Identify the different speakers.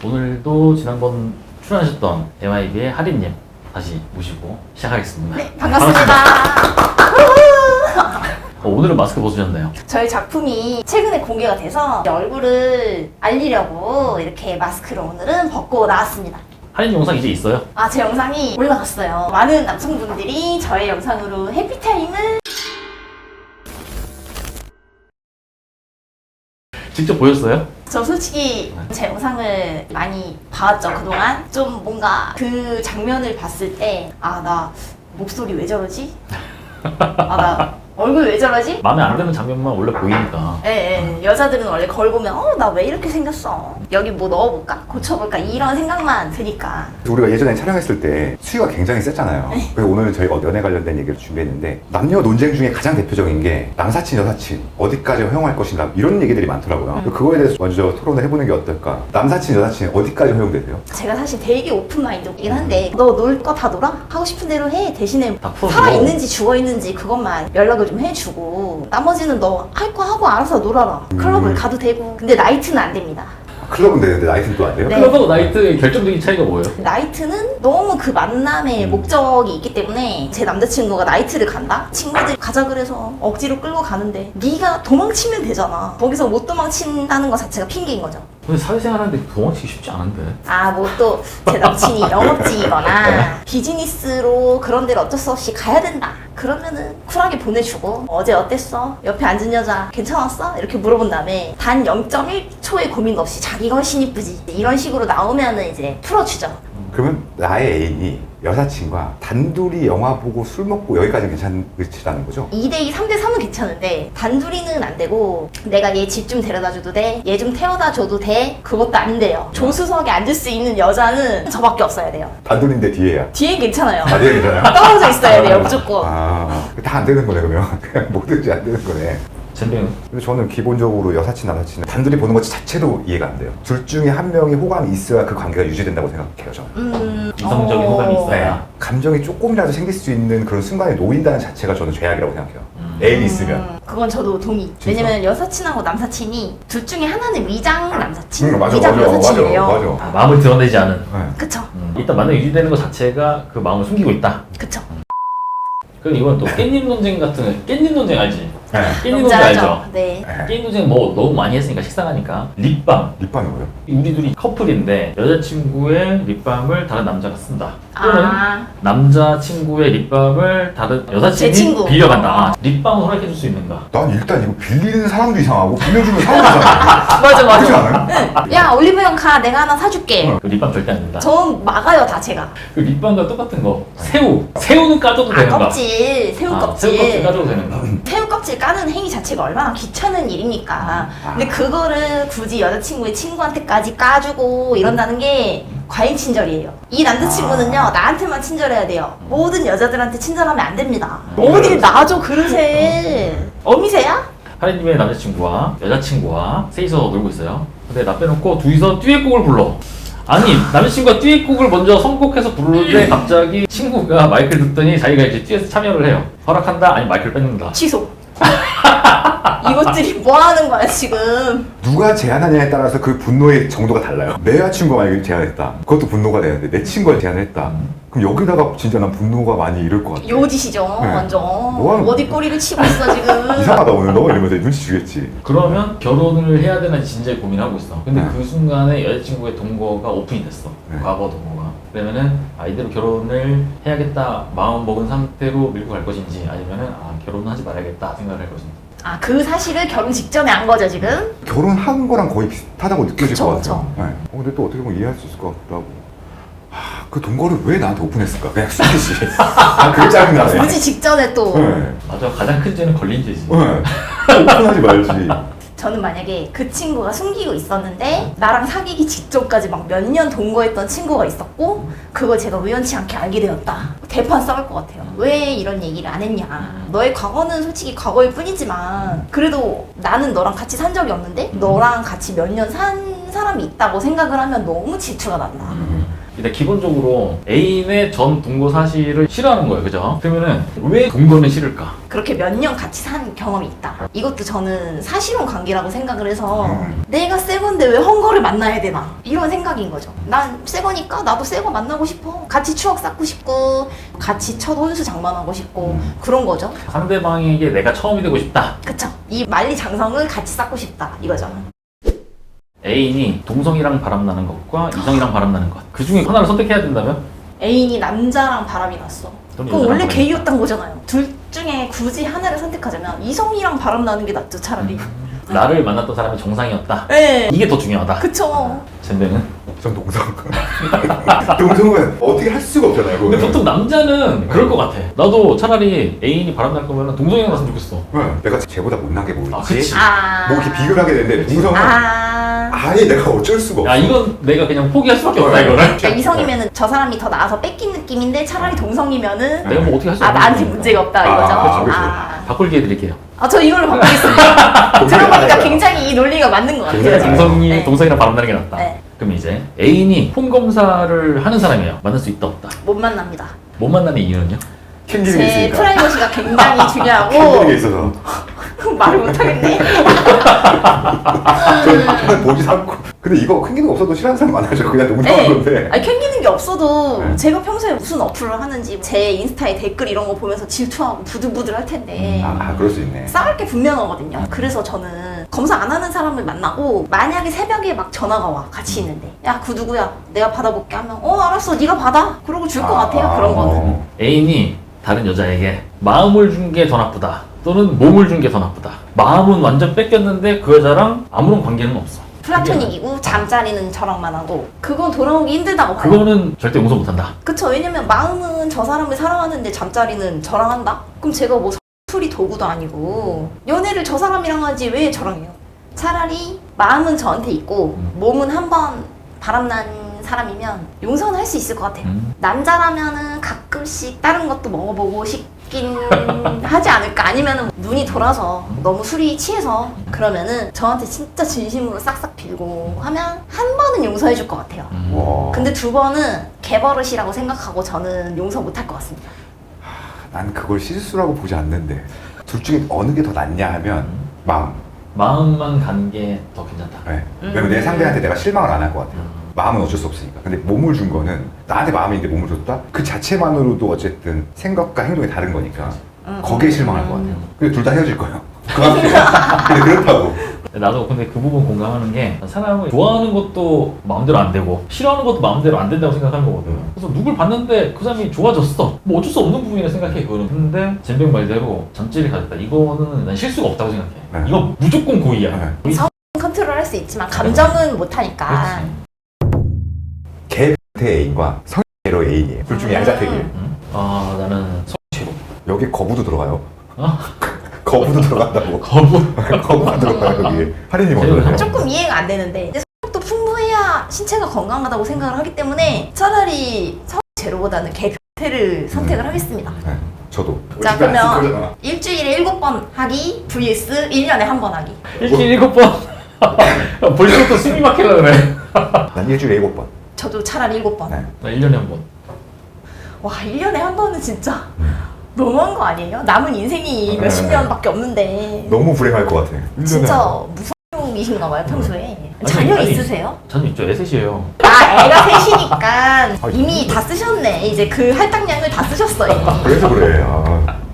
Speaker 1: 오늘도 지난번 출연하셨던 MIB의 하린님 다시 모시고 시작하겠습니다.
Speaker 2: 네, 반갑습니다.
Speaker 1: 오늘은 마스크 벗으셨네요.
Speaker 2: 저희 작품이 최근에 공개가 돼서 얼굴을 알리려고 이렇게 마스크를 오늘은 벗고 나왔습니다.
Speaker 1: 하린 영상 이제 있어요?
Speaker 2: 제 영상이 올라갔어요. 많은 남성분들이 저의 영상으로 해피타임을
Speaker 1: 직접 보셨어요?
Speaker 2: 저 솔직히 제 영상을 많이 봐왔죠, 그동안. 좀 뭔가 그 장면을 봤을 때 나 목소리 왜 저러지? 나 얼굴 왜 저러지?
Speaker 1: 마음에 안 드는 장면만 원래 보이니까.
Speaker 2: 예. 여자들은 원래 거울 보면 나 왜 이렇게 생겼어? 여기 뭐 넣어볼까? 고쳐볼까? 이런 생각만 드니까.
Speaker 3: 우리가 예전에 촬영했을 때 수위가 굉장히 셌잖아요. 그래서 오늘 저희가 연애 관련된 얘기를 준비했는데 남녀 논쟁 중에 가장 대표적인 게 남사친, 여사친 어디까지 허용할 것인가 이런 얘기들이 많더라고요. 그거에 대해서 먼저 토론을 해보는 게 어떨까? 남사친, 여사친 어디까지 허용되세요?
Speaker 2: 제가 사실 되게 오픈 마인드이긴 한데 너 놀 거 다 놀아? 하고 싶은 대로 해. 대신에
Speaker 1: 다 풀어줘.
Speaker 2: 살아있는지 죽어있는지 그것만 연락을 좀 해주고 나머지는 너 할 거 하고 알아서 놀아라. 클럽을 가도 되고. 근데 나이트는 안 됩니다.
Speaker 3: 클럽은 되는데 나이트는 또 안 돼요?
Speaker 2: 네.
Speaker 1: 클럽하고 나이트의 결정적인 차이가 뭐예요?
Speaker 2: 나이트는 너무 그 만남의 목적이 있기 때문에 제 남자친구가 나이트를 간다? 친구들이 가자 그래서 억지로 끌고 가는데 네가 도망치면 되잖아. 거기서 못 도망친다는 것 자체가 핑계인 거죠.
Speaker 1: 근데 사회생활 하는데 도망치기 쉽지 않은데.
Speaker 2: 뭐 또 제 남친이 영업직이거나 비즈니스로 그런 데를 어쩔 수 없이 가야 된다. 그러면은 쿨하게 보내주고 어제 어땠어? 옆에 앉은 여자 괜찮았어? 이렇게 물어본 다음에 단 0.1초의 고민 없이 자기가 훨씬 이쁘지 이런 식으로 나오면은 이제 풀어주죠.
Speaker 3: 그러면 나의 애인이 여사친과 단둘이 영화 보고 술 먹고 여기까지는 괜찮으시다는 거죠?
Speaker 2: 2대2, 3대3은 괜찮은데 단둘이는 안 되고 내가 얘 집 좀 데려다 줘도 돼? 얘 좀 태워다 줘도 돼? 그것도 안 돼요. 조수석에 앉을 수 있는 여자는 저밖에 없어야 돼요.
Speaker 3: 단둘인데 뒤에야.
Speaker 2: 뒤엔 괜찮아요.
Speaker 3: 뒤에 괜찮아요?
Speaker 2: 떨어져 있어야 돼요, 무조건.
Speaker 3: 다 안 되는 거네 그러면. 그냥 뭐든지 안 되는 거네.
Speaker 1: 젠뱅은?
Speaker 3: 근데 저는 기본적으로 여사친, 남사친은 단둘이 보는 것 자체도 이해가 안 돼요. 둘 중에 한 명이 호감이 있어야 그 관계가 유지된다고 생각해요, 저는.
Speaker 1: 이성적인 호감이 있어야.
Speaker 3: 네. 감정이 조금이라도 생길 수 있는 그런 순간에 놓인다는 자체가 저는 죄악이라고 생각해요. 애인이 있으면.
Speaker 2: 그건 저도 동의.
Speaker 3: 진짜?
Speaker 2: 왜냐면 여사친하고 남사친이 둘 중에 하나는 위장 남사친,
Speaker 3: 맞아,
Speaker 2: 위장
Speaker 3: 맞아,
Speaker 2: 여사친이래요.
Speaker 3: 맞아.
Speaker 1: 마음을 드러내지 않은.
Speaker 3: 네.
Speaker 2: 그쵸?
Speaker 1: 일단 만남 유지되는 것 자체가 그 마음을 숨기고 있다.
Speaker 2: 그쵸?
Speaker 1: 그럼 이건 또 깻잎 논쟁 같은 깻잎 논쟁 알지?
Speaker 3: 네.
Speaker 1: 깻잎 논쟁 알죠?
Speaker 2: 네.
Speaker 1: 깻잎 논쟁 뭐 너무 많이 했으니까 식상하니까 립밤.
Speaker 3: 립밤이 뭐예요?
Speaker 1: 우리 둘이 커플인데 여자친구의 립밤을 다른 남자가 쓴다. 또는
Speaker 2: 아.
Speaker 1: 남자친구의 립밤을 다른
Speaker 2: 제
Speaker 1: 여사친이
Speaker 2: 친구.
Speaker 1: 빌려간다. 립밤을 허락해줄 수 있는가?
Speaker 3: 난 일단 이거 빌리는 사람도 이상하고 빌려주는 사람도 이상하고.
Speaker 2: 맞아,
Speaker 3: 그렇지 않아요?
Speaker 2: 야, 올리브영 가. 내가 하나 사줄게.
Speaker 1: 그 립밤 절대 안 된다.
Speaker 2: 전 막아요, 다 제가.
Speaker 1: 그 립밤과 똑같은 거. 새우는 까줘도 되는가?
Speaker 2: 껍질, 새우
Speaker 1: 새우
Speaker 2: 껍질.
Speaker 1: 껍질 까줘도 되는가?
Speaker 2: 새우 껍질 까는 행위 자체가 얼마나 귀찮은 일입니까. 근데 그거를 굳이 여자친구의 친구한테까지 까주고 이런다는 게 과잉 친절이에요. 이 남자친구는요, 나한테만 친절해야 돼요. 모든 여자들한테 친절하면 안 됩니다. 어딜 놔줘, 그릇에. 어미새야?
Speaker 1: 하리님의 남자친구와 여자친구와 셋이서 놀고 있어요. 근데 나 빼놓고 둘이서 듀엣곡을 불러. 아니 남자친구가 듀엣곡을 먼저 선곡해서 부르는데 갑자기 친구가 마이크를 듣더니 자기가 이제 듀엣에 참여를 해요. 허락한다? 아니 마이크를 뺏는다.
Speaker 2: 취소. 이것들이 뭐 하는 거야, 지금.
Speaker 3: 누가 제안하냐에 따라서 그 분노의 정도가 달라요. 내 여자친구가 만약에 제안했다. 그것도 분노가 되는데 내 친구가 제안을 했다. 그럼 여기다가 진짜 난 분노가 많이 이를 것 같아.
Speaker 2: 요짓이죠, 완전.
Speaker 3: 뭐 하는
Speaker 2: 어디 꼬리를 치고 있어, 지금.
Speaker 3: 이상하다 오늘 너 이러면서 눈치 주겠지.
Speaker 1: 그러면 결혼을 해야 되나 진지하게 고민하고 있어. 근데
Speaker 3: 네.
Speaker 1: 그 순간에 여자친구의 동거가 오픈이 됐어.
Speaker 3: 네.
Speaker 1: 과거 동거가. 그러면은 이대로 결혼을 해야겠다 마음 먹은 상태로 밀고 갈 것인지 아니면은 결혼은 하지 말아야겠다 생각을 할 것인지.
Speaker 2: 그 사실을 결혼 직전에 한 거죠, 지금?
Speaker 3: 결혼한 거랑 거의 비슷하다고 느껴질
Speaker 2: 그쵸,
Speaker 3: 것 같아요. 네. 근데 또 어떻게 보면 이해할 수 있을 것 같기도 하고. 그 동거를 왜 나한테 오픈했을까? 그냥 수지. 그게 짜증나네.
Speaker 2: 굳이 직전에 또.
Speaker 3: 네.
Speaker 1: 맞아, 가장 큰 죄는 걸린 죄지.
Speaker 3: 네. 오픈하지 말지.
Speaker 2: 저는 만약에 그 친구가 숨기고 있었는데 나랑 사귀기 직전까지 막 몇 년 동거했던 친구가 있었고 그걸 제가 우연치 않게 알게 되었다. 대판 싸울 것 같아요. 왜 이런 얘기를 안 했냐. 너의 과거는 솔직히 과거일 뿐이지만 그래도 나는 너랑 같이 산 적이 없는데 너랑 같이 몇 년 산 사람이 있다고 생각을 하면 너무 질투가 난다.
Speaker 1: 일단 기본적으로 애인의 전 동거 사실을 싫어하는 거예요, 그죠? 그러면은 왜 동거는 싫을까?
Speaker 2: 그렇게 몇 년 같이 산 경험이 있다. 이것도 저는 사실혼 관계라고 생각을 해서 내가 새 건데 왜 헝거를 만나야 되나 이런 생각인 거죠. 난 새 거니까 나도 새 거 만나고 싶어. 같이 추억 쌓고 싶고 같이 첫 혼수 장만하고 싶고 그런 거죠.
Speaker 1: 상대방에게 내가 처음이 되고 싶다.
Speaker 2: 그쵸? 이 만리장성을 같이 쌓고 싶다 이거죠.
Speaker 1: 애인이 동성이랑 바람나는 것과 이성이랑 바람나는 것. 그 중에 하나를 선택해야 된다면?
Speaker 2: 애인이 남자랑 바람이 났어.
Speaker 1: 또는
Speaker 2: 그럼
Speaker 1: 여자랑
Speaker 2: 원래
Speaker 1: 바람이
Speaker 2: 게이였던 거잖아요. 둘 중에 굳이 하나를 선택하자면 이성이랑 바람 나는 게 낫죠, 차라리.
Speaker 1: 나를 만났던 사람이 정상이었다.
Speaker 2: 네.
Speaker 1: 이게 더 중요하다.
Speaker 2: 그쵸.
Speaker 1: 젠뱅은?
Speaker 3: 전 동성. 동성은 어떻게 할 수가 없잖아요.
Speaker 1: 근데
Speaker 3: 그거는.
Speaker 1: 보통 남자는 그럴 것 같아. 나도 차라리 애인이 바람날 거면 동성이랑 갔으면 좋겠어.
Speaker 3: 네, 내가 쟤보다 못난 게 뭐
Speaker 1: 아,
Speaker 3: 있지?
Speaker 1: 그치.
Speaker 3: 뭐 이렇게 비교를 하게 되는데 동성은 아예 내가 어쩔 수가 없어.
Speaker 1: 야, 이건 내가 그냥 포기할 수밖에 없다, 이거를.
Speaker 2: 그러니까 이성이면은 저 사람이 더 나아서 뺏긴 느낌인데 차라리 동성이면은
Speaker 1: 내가 뭐 어떻게 할 수
Speaker 2: 아
Speaker 1: 없는
Speaker 2: 나한테
Speaker 1: 거니까.
Speaker 2: 문제가 없다 이거죠.
Speaker 3: 그렇죠, 그렇죠.
Speaker 1: 바꿀 기회 드릴게요.
Speaker 2: 저 이걸로 바꾸겠습니다. 들어보니까 굉장히 이 논리가 맞는 것 같아요.
Speaker 1: 제가 동성이,
Speaker 2: 네.
Speaker 1: 동성이랑 바람나는 게 낫다.
Speaker 2: 네.
Speaker 1: 그럼 이제 애인이 폰 검사를 하는 사람이에요. 만날 수 있다, 없다.
Speaker 2: 못 만납니다.
Speaker 1: 못 만나는 이유는요?
Speaker 3: 캥기는 게
Speaker 2: 제
Speaker 3: 있으니까.
Speaker 2: 프라이버시가 굉장히
Speaker 3: 캥기는 게
Speaker 2: 중요하고
Speaker 3: 있어서.
Speaker 2: 말을 못하겠네.
Speaker 3: 저는 보지 않고. 근데 이거 캥기는 거 없어도 싫어하는 사람 많아져. 그냥 농담한
Speaker 2: 네.
Speaker 3: 건데.
Speaker 2: 아니 캥기는 게 없어도
Speaker 3: 네.
Speaker 2: 제가 평소에 무슨 어플을 하는지 제 인스타에 댓글 이런 거 보면서 질투하고 부들부들 할 텐데
Speaker 3: 그럴 수 있네.
Speaker 2: 싸울 게 분명하거든요. 그래서 저는 검사 안 하는 사람을 만나고 만약에 새벽에 막 전화가 와 같이 있는데 야 그 누구야 내가 받아볼게 하면 알았어 네가 받아 그러고 줄 것 같아요. 그런 거는.
Speaker 1: 애인이 다른 여자에게 마음을 준 게 더 나쁘다. 또는 몸을 준 게 더 나쁘다. 마음은 완전 뺏겼는데 그 여자랑 아무런 관계는 없어.
Speaker 2: 플라토닉이고 잠자리는 저랑만 하고 그건 돌아오기 힘들다고 봐요.
Speaker 1: 그거는 절대 용서 못한다.
Speaker 2: 그쵸. 왜냐면 마음은 저 사람을 사랑하는데 잠자리는 저랑 한다? 그럼 제가 뭐 술이 도구도 아니고 연애를 저 사람이랑 하지 왜 저랑 해요? 차라리 마음은 저한테 있고 몸은 한번 바람난 사람이면 용서는 할 수 있을 것 같아요. 남자라면은 가끔씩 다른 것도 먹어보고 싶긴 하지 않을까? 아니면은 눈이 돌아서 너무 술이 취해서 그러면은 저한테 진짜 진심으로 싹싹 빌고 하면 한 번은 용서해 줄 것 같아요.
Speaker 3: 와.
Speaker 2: 근데 두 번은 개버릇이라고 생각하고 저는 용서 못 할 것 같습니다.
Speaker 3: 난 그걸 실수라고 보지 않는데. 둘 중에 어느 게 더 낫냐 하면 마음.
Speaker 1: 마음만 간 게 더 괜찮다.
Speaker 3: 네. 왜냐면 내 상대한테 내가 실망을 안 할 것 같아요. 마음은 어쩔 수 없으니까. 근데 몸을 준 거는 나한테 마음이 있는데 몸을 줬다? 그 자체만으로도 어쨌든 생각과 행동이 다른 거니까 거기에 실망할 것 같아요. 근데 둘 다 헤어질 거예요. 그 앞에. 근데 그렇다고.
Speaker 1: 나도 근데 그 부분 공감하는 게 사람을 좋아하는 것도 마음대로 안 되고 싫어하는 것도 마음대로 안 된다고 생각하는 거거든. 그래서 누굴 봤는데 그 사람이 좋아졌어. 뭐 어쩔 수 없는 부분이라 생각해 그거는. 근데 젠병 말대로 잠재를 가졌다. 이거는 난 실수가 없다고 생각해.
Speaker 3: 네.
Speaker 1: 이건 무조건 고의야.
Speaker 3: 네.
Speaker 2: 컨트롤 할 수 있지만 감정은 못 하니까.
Speaker 1: 그렇지.
Speaker 3: 개태 애인과 성애로 애인이에요. 둘 중에 양자택이에요.
Speaker 1: 아 나는 성취로.
Speaker 3: 여기 거부도 들어가요.
Speaker 1: 어?
Speaker 3: 거부도 들어간다고. 거부가 들어가요 여기. 할인이 먼저요.
Speaker 2: 조금 이해가 안 되는데 이제 성욕도 풍부해야 신체가 건강하다고 생각을 하기 때문에 차라리 성제로보다는 개태를 선택을 하겠습니다.
Speaker 3: 네, 저도.
Speaker 2: 자 그러면 일주일에 7번 하기 vs 1년에 한 번 하기.
Speaker 1: 일주일 7번. 벌써부터 숨이 막히려 그래.
Speaker 3: 난 일주일에 7번.
Speaker 2: 저도 차라리 7번.
Speaker 3: 네.
Speaker 1: 나 1년에 한 번.
Speaker 2: 와 1년에 한 번은 진짜 너무한 거 아니에요? 남은 인생이 몇십 년밖에 없는데
Speaker 3: 너무 불행할 것 같아.
Speaker 2: 진짜 무성용이신가 봐요 평소에. 자녀 있으세요?
Speaker 1: 자녀 있죠. 애셋이에요.
Speaker 2: 아 애가 셋이니까 이미 다 쓰셨네. 이제 그 할당량을 다 쓰셨어요.
Speaker 3: 그래서 그래. 아.